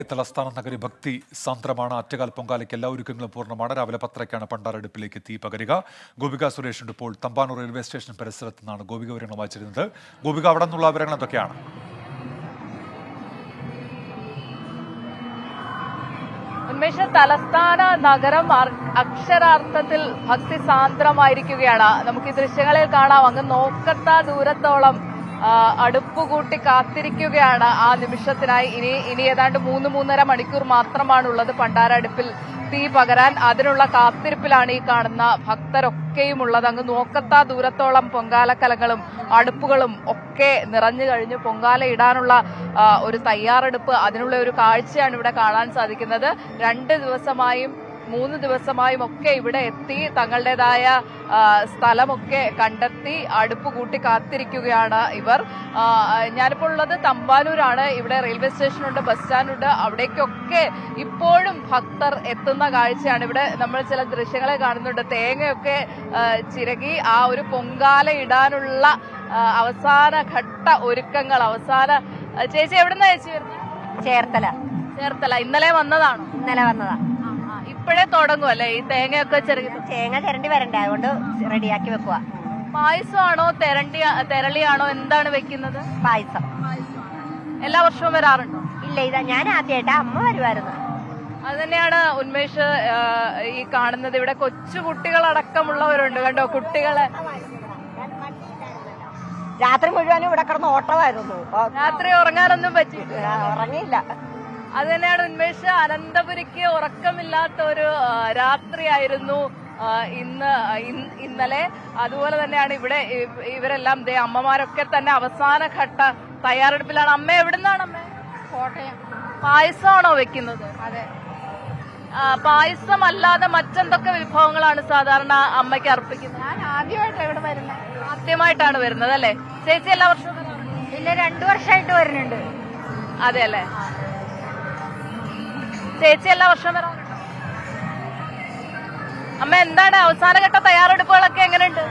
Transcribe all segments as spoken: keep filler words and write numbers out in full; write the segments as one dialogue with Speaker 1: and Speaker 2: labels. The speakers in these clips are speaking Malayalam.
Speaker 1: തലസ്ഥാന നഗരി ഭക്തി സാന്ദ്രമാണ്. ആറ്റുകാൽ പൊങ്കാലയ്ക്ക് എല്ലാ ഒരുക്കങ്ങളും പൂർണ്ണമാണ്. രാവിലെ പത്തരയ്ക്കാണ് പണ്ടാരടുപ്പിലേക്ക് തീ പകരുക. ഗോപിക സുരേഷിന്റെ ഇപ്പോൾ തമ്പാനൂർ റെയിൽവേ സ്റ്റേഷൻ പരിസരത്ത് നിന്നാണ് ഗോപിക വിവരങ്ങൾ വായിച്ചിരുന്നത്. ഗോപിക, അവിടെ നിന്നുള്ള വിവരങ്ങൾ എന്തൊക്കെയാണ്?
Speaker 2: ഉന്മേഷ, തലസ്ഥാന നഗരം അക്ഷരാർത്ഥത്തിൽ ഭക്തി സാന്ദ്രമായിരിക്കുകയാണ്. നമുക്ക് ഈ ദൃശ്യങ്ങളിൽ കാണാം. അങ്ങ് നോക്കത്താ ദൂരത്തോളം അടുപ്പുകൂട്ടി കാത്തിരിക്കുകയാണ് ആ നിമിഷത്തിനായി. ഇനി ഇനി ഏതാണ്ട് മൂന്ന് മൂന്നര മണിക്കൂർ മാത്രമാണുള്ളത് പണ്ടാരടുപ്പിൽ തീ പകരാൻ. അതിനുള്ള കാത്തിരിപ്പിലാണ് ഈ കാണുന്ന ഭക്തരൊക്കെയും ഉള്ളത്. അങ്ങ് നോക്കത്താ ദൂരത്തോളം പൊങ്കാലക്കലങ്ങളും അടുപ്പുകളും ഒക്കെ നിറഞ്ഞു കഴിഞ്ഞു. പൊങ്കാല ഇടാനുള്ള ഒരു തയ്യാറെടുപ്പ്, അതിനുള്ള ഒരു കാഴ്ചയാണ് ഇവിടെ കാണാൻ സാധിക്കുന്നത്. രണ്ട് ദിവസമായും മൂന്ന് ദിവസമായും ഒക്കെ ഇവിടെ എത്തി തങ്ങളുടേതായ സ്ഥലമൊക്കെ കണ്ടെത്തി അടുപ്പ് കൂട്ടി കാത്തിരിക്കുകയാണ് ഇവർ. ഞാനിപ്പോൾ ഉള്ളത് തമ്പാനൂരാണ്. ഇവിടെ റെയിൽവേ സ്റ്റേഷനുണ്ട്, ബസ് സ്റ്റാൻഡുണ്ട്. അവിടേക്കൊക്കെ ഇപ്പോഴും ഭക്തർ എത്തുന്ന കാഴ്ചയാണ്. ഇവിടെ നമ്മൾ ചില ദൃശ്യങ്ങളെ കാണുന്നുണ്ട്. തേങ്ങയൊക്കെ ചിരകി ആ ഒരു പൊങ്കാല ഇടാനുള്ള അവസാന ഘട്ട ഒരുക്കങ്ങൾ. അവസാന ചേച്ചി എവിടുന്നാ ചേച്ചി വരുന്നത്?
Speaker 3: ചേർത്തല.
Speaker 2: ചേർത്തല. ഇന്നലെ വന്നതാണോ?
Speaker 3: ഇന്നലെ വന്നതാ.
Speaker 2: ഇപ്പോഴേ തുടങ്ങും അല്ലേ ഈ തേങ്ങയൊക്കെ ചെറിയ?
Speaker 3: തേങ്ങ തിരണ്ടി വരണ്ടേ, അതുകൊണ്ട് റെഡിയാക്കി വെക്കുക.
Speaker 2: പായസമാണോ തെരണ്ടി തെരളിയാണോ എന്താണ് വെക്കുന്നത്?
Speaker 3: പായസം.
Speaker 2: എല്ലാ വർഷവും വരാറുണ്ടോ?
Speaker 3: ഇല്ല, ഇതാ ഞാൻ ആദ്യമായിട്ടാ. അമ്മ വരുമായിരുന്നു.
Speaker 2: അത് തന്നെയാണ് ഉന്മേഷ് ഈ കാണുന്നത്. ഇവിടെ കൊച്ചു കുട്ടികളടക്കമുള്ളവരുണ്ട്. കണ്ടോ കുട്ടികളെ.
Speaker 3: രാത്രി മുഴുവനും ഇവിടെ കിടന്ന് ഓട്ടമായിരുന്നു.
Speaker 2: രാത്രി ഉറങ്ങാനൊന്നും പറ്റിയില്ല.
Speaker 3: ഉറങ്ങിയില്ല.
Speaker 2: അത് തന്നെയാണ് ഉന്മേഷ്. അനന്തപുരിക്ക് ഉറക്കമില്ലാത്ത ഒരു രാത്രിയായിരുന്നു ഇന്ന് ഇന്നലെ. അതുപോലെ തന്നെയാണ് ഇവിടെ ഇവരെല്ലാം ദേ അമ്മമാരൊക്കെ തന്നെ അവസാന ഘട്ട തയ്യാറെടുപ്പിലാണ്. അമ്മ എവിടുന്നാണ്? അമ്മ
Speaker 3: കോട്ടയം.
Speaker 2: പായസമാണോ വെക്കുന്നത്?
Speaker 3: അതെ.
Speaker 2: പായസം അല്ലാതെ മറ്റെന്തൊക്കെ വിഭവങ്ങളാണ് സാധാരണ അമ്മയ്ക്ക് അർപ്പിക്കുന്നത്?
Speaker 3: ഞാൻ ആദ്യമായിട്ടാണ് ഇവിടെ വരുന്നത്.
Speaker 2: ആദ്യമായിട്ടാണ് വരുന്നത് അല്ലേ? ചേച്ചി എല്ലാ വർഷവും?
Speaker 3: ഇല്ല, രണ്ടു വർഷമായിട്ട് വരുന്നുണ്ട്.
Speaker 2: അതെ അല്ലേ? ചേച്ചി എല്ലാ വർഷവും വരാറുണ്ടോ? അമ്മ എന്താണ് അവസാനഘട്ട തയ്യാറെടുപ്പുകളൊക്കെ എങ്ങനെയുണ്ട്?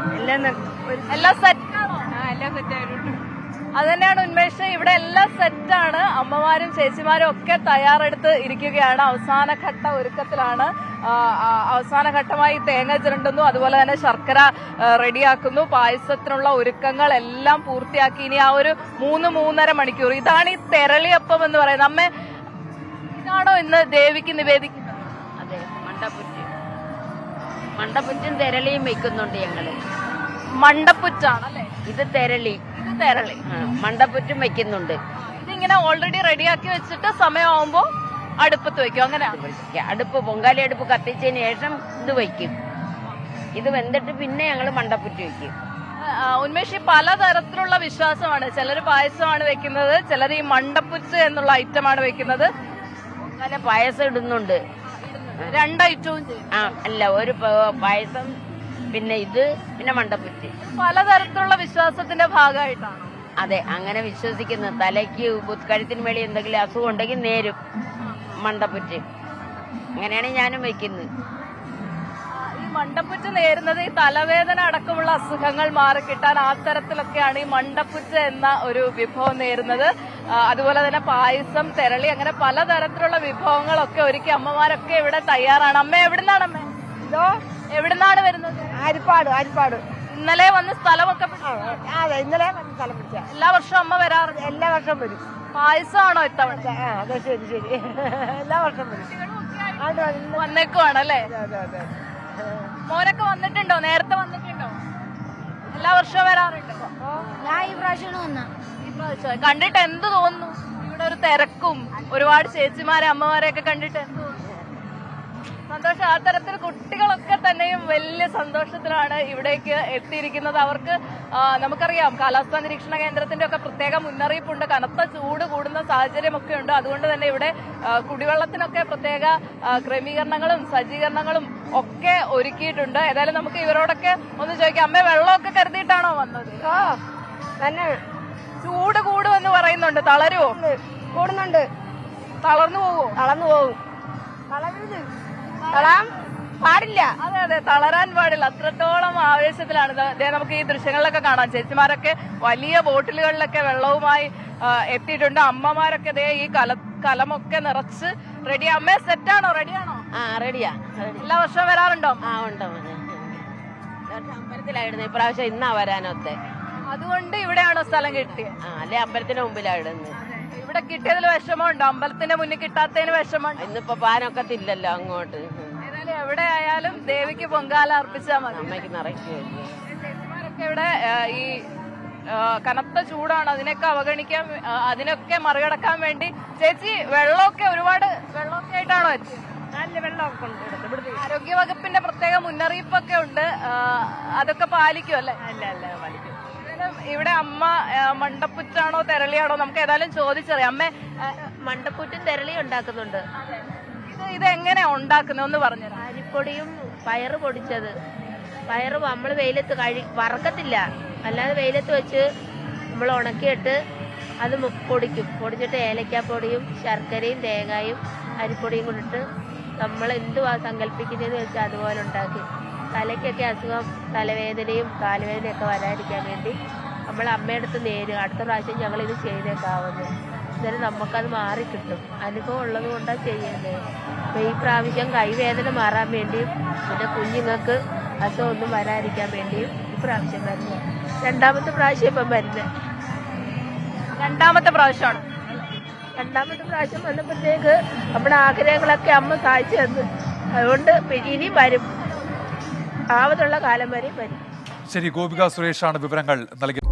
Speaker 2: എല്ലാം സെറ്റാണോ?
Speaker 3: എല്ലാം സെറ്റായിട്ടുണ്ട്.
Speaker 2: അത് തന്നെയാണ് ഉന്മേഷ്. ഇവിടെ എല്ലാം സെറ്റാണ്. അമ്മമാരും ചേച്ചിമാരും ഒക്കെ തയ്യാറെടുത്ത് ഇരിക്കുകയാണ്. അവസാനഘട്ട ഒരുക്കത്തിലാണ്. അവസാന ഘട്ടമായി തേങ്ങ ചിരണ്ടുന്നു, അതുപോലെ തന്നെ ശർക്കര റെഡിയാക്കുന്നു. പായസത്തിനുള്ള ഒരുക്കങ്ങൾ എല്ലാം പൂർത്തിയാക്കി. ഇനി ആ ഒരു മൂന്ന് മൂന്നര മണിക്കൂർ. ഇതാണ് ഈ തെരളിയപ്പം എന്ന് പറയുന്നത്. അമ്മ ഇതാണോ ഇന്ന് ദേവിക്ക് നിവേദിക്കുന്നത്?
Speaker 4: അതെ, മണ്ടപ്പുറ്റ്. മണ്ടപ്പുറ്റും തെരളിയും വെക്കുന്നുണ്ട് ഞങ്ങള്.
Speaker 2: മണ്ടപ്പുറ്റാണല്ലേ
Speaker 4: ഇത്? തെരളി.
Speaker 2: ഇത് തെരളി.
Speaker 4: മണ്ടപ്പുറ്റും വെക്കുന്നുണ്ട്.
Speaker 2: ഇതിങ്ങനെ ഓൾറെഡി റെഡിയാക്കി വെച്ചിട്ട് സമയമാകുമ്പോ അടുപ്പത്ത് വെക്കും, അങ്ങനെയാണ്?
Speaker 4: അടുപ്പ് പൊങ്കാലി അടുപ്പ് കത്തിച്ചതിന് ശേഷം ഇത് വയ്ക്കും. ഇത് വെന്തിട്ട് പിന്നെ ഞങ്ങള് മണ്ടപ്പുറ്റ് വെക്കും.
Speaker 2: ഉന്മേഷ്, പലതരത്തിലുള്ള വിശ്വാസമാണ്. ചിലർ പായസമാണ് വെക്കുന്നത്, ചിലർ ഈ മണ്ടപ്പുറ്റ് എന്നുള്ള ഐറ്റമാണ് വെക്കുന്നത്.
Speaker 4: അങ്ങനെ പായസം ഇടുന്നുണ്ട്.
Speaker 2: രണ്ട് ഐറ്റവും ചെയ്യും?
Speaker 4: ആ അല്ല, ഒരു പായസം, പിന്നെ ഇത്, പിന്നെ മണ്ടപ്പുറ്റ്.
Speaker 2: പലതരത്തിലുള്ള വിശ്വാസത്തിന്റെ ഭാഗമായിട്ടാണ്.
Speaker 4: അതെ, അങ്ങനെ വിശ്വസിക്കുന്നു. തലയ്ക്ക് കഴുത്തിന് മേളി എന്തെങ്കിലും അസുഖം ഉണ്ടെങ്കിൽ നേരും മണ്ടപ്പുറ്റ്. അങ്ങനെയാണ് ഞാനും വെക്കുന്നത്.
Speaker 2: ഈ മണ്ടപ്പുറ്റ് നേരുന്നത് ഈ തലവേദന അടക്കമുള്ള അസുഖങ്ങൾ മാറിക്കിട്ടാൻ ആ തരത്തിലൊക്കെയാണ് ഈ മണ്ടപ്പുറ്റ് എന്ന ഒരു വിഭവം നേരുന്നത്. അതുപോലെ തന്നെ പായസം, തെരളി, അങ്ങനെ പലതരത്തിലുള്ള വിഭവങ്ങളൊക്കെ ഒരുക്കി അമ്മമാരൊക്കെ ഇവിടെ തയ്യാറാണ്. അമ്മ എവിടുന്നാണ്? അമ്മ
Speaker 3: ഇതോ
Speaker 2: എവിടുന്നാണ് വരുന്നത്?
Speaker 3: ആരിപ്പാട്. ആരിപ്പാട്.
Speaker 2: ഇന്നലെ വന്ന് സ്ഥലമൊക്കെ?
Speaker 3: അതെ, ഇന്നലെ വന്ന് സ്ഥലം പിടിച്ച.
Speaker 2: എല്ലാ വർഷവും അമ്മ വരാറുണ്ട്?
Speaker 3: എല്ലാ വർഷം വരും.
Speaker 2: പായസമാണോ ഇത്തവണ?
Speaker 3: അതെ, ശരി ശരി. എല്ലാ വർഷം വരും.
Speaker 2: വന്നേക്കുവാണല്ലേ? മോനൊക്കെ വന്നിട്ടുണ്ടോ? നേരത്തെ വന്നിട്ടുണ്ടോ? എല്ലാ വർഷവും വരാറുണ്ട്?
Speaker 3: ഞാൻ ഈ പ്രാവശ്യമാണ് വന്ന.
Speaker 2: ഈ പ്രാവശ്യം കണ്ടിട്ട് എന്ത് തോന്നുന്നു? ഇവിടെ ഒരു തിരക്കും ഒരുപാട് ചേച്ചിമാരെ അമ്മമാരെയൊക്കെ കണ്ടിട്ട് എന്ത് തോന്നുന്നു? സന്തോഷം. ആ തരത്തിൽ കുട്ടികളൊക്കെ തന്നെയും വലിയ സന്തോഷത്തിലാണ് ഇവിടേക്ക് എത്തിയിരിക്കുന്നത്. അവർക്ക് നമുക്കറിയാം കാലാവസ്ഥാ നിരീക്ഷണ കേന്ദ്രത്തിന്റെ ഒക്കെ പ്രത്യേക മുന്നറിയിപ്പുണ്ട്. കനത്ത ചൂട് കൂടുന്ന സാഹചര്യമൊക്കെ ഉണ്ട്. അതുകൊണ്ട് തന്നെ ഇവിടെ കുടിവെള്ളത്തിനൊക്കെ പ്രത്യേക ക്രമീകരണങ്ങളും സജ്ജീകരണങ്ങളും ഒക്കെ ഒരുക്കിയിട്ടുണ്ട്. ഏതായാലും നമുക്ക് ഇവരോടൊക്കെ ഒന്ന് ചോദിക്കാം. അമ്മ വെള്ളമൊക്കെ കരുതിയിട്ടാണോ വന്നത്?
Speaker 3: ആ തന്നെ.
Speaker 2: ചൂട് കൂടുമെന്ന് പറയുന്നുണ്ട്. തളരുവോ?
Speaker 3: കൂടുന്നുണ്ട്.
Speaker 2: തളർന്നു പോവോ?
Speaker 3: തളർന്നു പോകും. തളരാം. പാടില്ല.
Speaker 2: അതെ അതെ, തളരാൻ പാടില്ല. അത്രത്തോളം ആവേശത്തിലാണ്. ഇത് ദേ നമുക്ക് ഈ ദൃശ്യങ്ങളിലൊക്കെ കാണാം. ചേച്ചിമാരൊക്കെ വലിയ ബോട്ടിലുകളിലൊക്കെ വെള്ളവുമായി ആ, എത്തിയിട്ടുണ്ട്. അമ്മമാരൊക്കെ ദേ ഈ കല കലമൊക്കെ നിറച്ച് റെഡി. അമ്മേ സെറ്റാണോ? റെഡിയാണോ?
Speaker 4: ആ റെഡിയാ.
Speaker 2: എല്ലാ വർഷവും വരാറുണ്ടോ?
Speaker 4: ആ ഉണ്ട്. അമ്പലത്തിലായിരുന്നു ഇപ്രാവശ്യം, ഇന്നാ വരാനൊത്തെ.
Speaker 2: അതുകൊണ്ട് ഇവിടെയാണോ സ്ഥലം കിട്ടിയത്?
Speaker 4: ആ അല്ലെ അമ്പലത്തിന്റെ മുമ്പിലായിരുന്നു.
Speaker 2: ഇവിടെ കിട്ടിയതിൽ വിഷമമുണ്ടോ? അമ്പലത്തിന്റെ മുന്നിൽ കിട്ടാത്തതിന് വിഷമമുണ്ട്?
Speaker 4: ഇന്നിപ്പോ പാനൊക്കത്തില്ലല്ലോ അങ്ങോട്ട്.
Speaker 2: ഏതായാലും എവിടെ ആയാലും ദേവിക്ക് പൊങ്കാല അർപ്പിച്ചാൽ മതി.
Speaker 4: അമ്മയ്ക്ക് നിറയ്ക്കും.
Speaker 2: ചേച്ചിമാരൊക്കെ ഇവിടെ ആ, ഈ ആ, കനത്ത ചൂടാണ്, അതിനൊക്കെ അവഗണിക്കാൻ ആ, അതിനൊക്കെ മറികടക്കാൻ വേണ്ടി ചേച്ചി വെള്ളമൊക്കെ ഒരുപാട് വെള്ളമൊക്കെ ആയിട്ടാണോ എത്തിയത്?
Speaker 3: നല്ല വെള്ളമൊക്കെ ഉണ്ട് ഇവിടുത്തെ. ഇവിടുത്തെ
Speaker 2: ആരോഗ്യ വകുപ്പിന്റെ പ്രത്യേക മുന്നറിയിപ്പൊക്കെ ഉണ്ട്, ആ, അതൊക്കെ പാലിക്കും അല്ലേ?
Speaker 3: അല്ല അല്ല വലിക്കും.
Speaker 2: ഏതായാലും ഇവിടെ അമ്മ ആ, മണ്ടപ്പുറ്റാണോ തെരളിയാണോ നമുക്ക് ഏതായാലും ചോദിച്ചറിയാം. അമ്മേ, ആ,
Speaker 4: മണ്ടപ്പൂറ്റും തെരളിയും ഉണ്ടാക്കുന്നുണ്ട്.
Speaker 2: ഇത് ഇത് എങ്ങനെയാ ഉണ്ടാക്കുന്നത് ഒന്ന് പറഞ്ഞുതരാം.
Speaker 4: അരിപ്പൊടിയും പയറ് പൊടിച്ചത്. പയറ് നമ്മൾ വെയിലത്ത് കഴി വറക്കത്തില്ല, അല്ലാതെ വെയിലത്ത് വെച്ച് നമ്മൾ ഉണക്കിയിട്ട് അത് മു- പൊടിക്കും. പൊടിച്ചിട്ട് ഏലക്കാപ്പൊടിയും ശർക്കരയും തേങ്ങായും അരിപ്പൊടിയും കൊണ്ടിട്ട് നമ്മൾ എന്തുവാ സങ്കല്പിക്കുന്നതെന്ന് വെച്ചാൽ അതുപോലെ ഉണ്ടാക്കി. തലയ്ക്കൊക്കെ അസുഖം, തലവേദനയും കാലുവേദനയൊക്കെ വരാതിരിക്കാൻ വേണ്ടി നമ്മൾ അമ്മയടുത്ത് നേര് അടുത്ത പ്രാവശ്യം ഞങ്ങൾ ഇത് ചെയ്തേക്കാവുന്നത്. എന്നാലും നമുക്കത് മാറിക്കിട്ടും. അനുഭവം ഉള്ളത് കൊണ്ടാണ് ചെയ്യുന്നത്. അപ്പോൾ ഈ പ്രാവശ്യം കൈവേദന മാറാൻ വേണ്ടിയും പിന്നെ കുഞ്ഞുങ്ങൾക്ക് അസുഖമൊന്നും വരാതിരിക്കാൻ വേണ്ടിയും ഇപ്രാവശ്യം വരുന്നത്. രണ്ടാമത്തെ പ്രാവശ്യം ഇപ്പം വരുന്നത്.
Speaker 2: രണ്ടാമത്തെ പ്രാവശ്യമാണ്.
Speaker 4: രണ്ടാമത്തെ പ്രാവശ്യം വന്നപ്പോഴത്തേക്ക് നമ്മുടെ ആഗ്രഹങ്ങളൊക്കെ അമ്മ സാധിച്ചു തന്നു. അതുകൊണ്ട് ഇനിയും വരും, ആവതുള്ള കാലം വരെയും വരും.
Speaker 1: ശരി, ഗോപിക സുരേഷാണ് വിവരങ്ങൾ നൽകിയത്.